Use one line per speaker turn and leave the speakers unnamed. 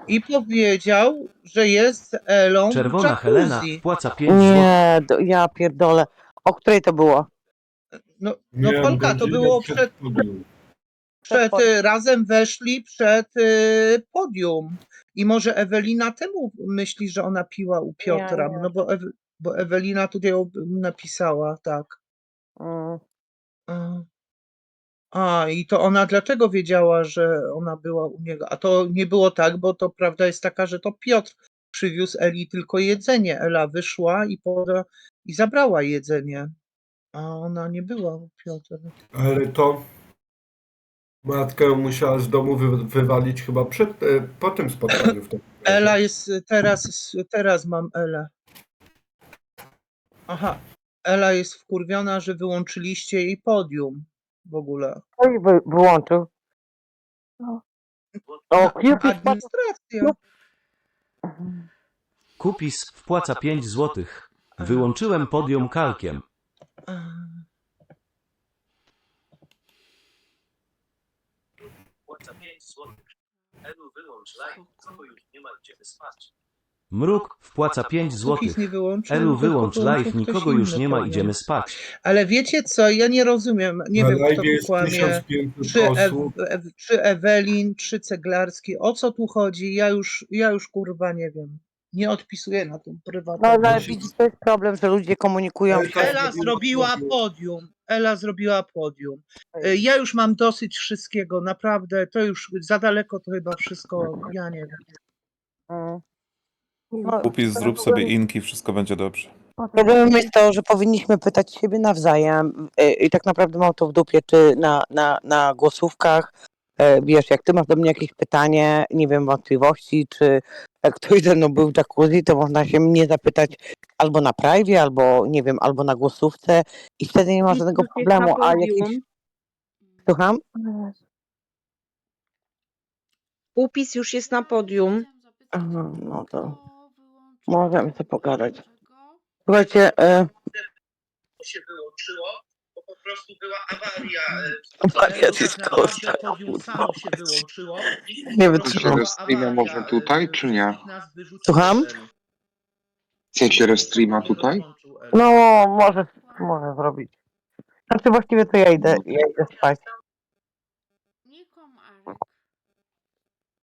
i powiedział, że jest z Elą w
Czerwona Helena
jacuzzi.
wpłaca 5 zł.
Nie, ja pierdolę. O której to było?
No
Nie,
Polka, to
godzinę
było
przed podium.
razem weszli przed podium. I może Ewelina temu myśli, że ona piła u Piotra,
Nie.
no bo Ewelina tutaj napisała, tak.
Mm.
I to ona dlatego wiedziała, że ona była u niego. A to nie było tak, bo to prawda jest taka, że to Piotr przywiózł Eli tylko jedzenie. Ela wyszła i zabrała jedzenie, a ona nie była u Piotra.
Ale to matkę musiała z domu wywalić chyba po tym spotkaniu. W tym
Ela jest teraz mam Elę. Aha, Ela jest wkurwiona, że wyłączyliście jej podium w ogóle.
Kto jej wyłączył? O, Cupid
Administracja.
Kupis wpłaca 5 zł. Wyłączyłem podium kalkiem. Mruk wpłaca 5 zł.
Kupis nie wyłączył,
Elu,
tylko
wyłącz
wyłączył
live,
ktoś
nikogo już
inny
nie ma,
powiem.
idziemy spać.
Ale wiecie co, ja nie rozumiem, nie
Na
wiem kto
live
tu
jest
kłamie,
1500 osób.
czy Ewelin, czy Ceglarski, o co tu chodzi, ja już kurwa nie wiem, nie odpisuję na tym
No
prywatnym.
ale widzisz, to jest problem, że ludzie komunikują się.
Ela zrobiła podium. Ja już mam dosyć wszystkiego, naprawdę, to już za daleko to chyba wszystko, ja nie wiem.
No,
Kupis, zrób sobie inki, wszystko będzie dobrze.
problemem jest to, że powinniśmy pytać siebie nawzajem i tak naprawdę mam to w dupie, czy na głosówkach, wiesz, jak ty masz do mnie jakieś pytanie, nie wiem, wątpliwości, czy jak ktoś ze mną był w jacuzzi, to można się mnie zapytać albo na privie, albo nie wiem, albo na głosówce i wtedy nie ma żadnego problemu, a jakiś... Słucham?
Upis już jest na podium.
Aha, no to możemy sobie pogadać. Słuchajcie,
To się wyłączyło, bo po prostu była awaria.
Awaria Discorda,
Podium samo się wyłączyło.
nie
Po
wytrzymam.
prostu
Tego
była
streama
awaria,
można tutaj, czy nie?
nas wyrzuciło
Słucham?
Elu.
W sensie restreama tutaj?
Rozłączył Elu.
No, może zrobić. Znaczy właściwie to ja idę spać.